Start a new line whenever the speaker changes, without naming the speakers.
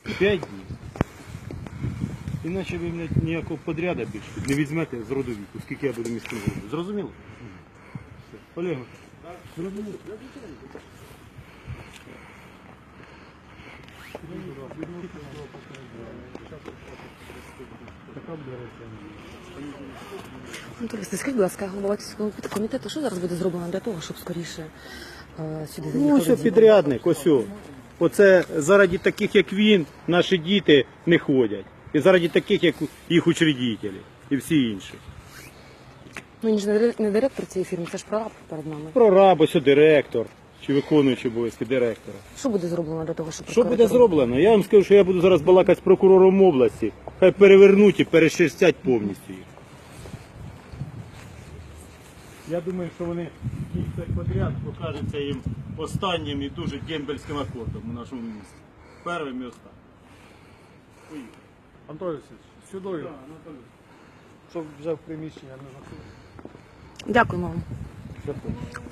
5 днів. Іначе ви мене ніякого подряда більше не візьмете з роду віку, скільки я буду міським головою. Зрозуміло? Олег, зрозуміло?
Анатолій, скажіть, будь ласка, голова комітету, що зараз буде зроблено для того, щоб скоріше сюди
Ну,
заїхали?
ось підрядник, ось. Оце заради таких, як він, наші діти не ходять. І заради таких, як їх учредителі і всі інші.
Ну, він ж не директор цієї фірми, це ж прораб перед нами.
Прораб, ось директор, чи виконуючий обов'язки директора.
Що буде зроблено для того, щоб...
Що буде зроблено? Я вам скажу, що я буду зараз балакати з прокурором області. Хай перевернуть і перешерстять повністю їх. Я думаю, що вони кілька подряд покажуться їм останнім і дуже дембельським акордом у нашому місті. Першим і останнім. Поїхали.
Анатолій Васильович, сюди, щоб взяв приміщення, не заходив.
Дякуємо вам.
Дякую.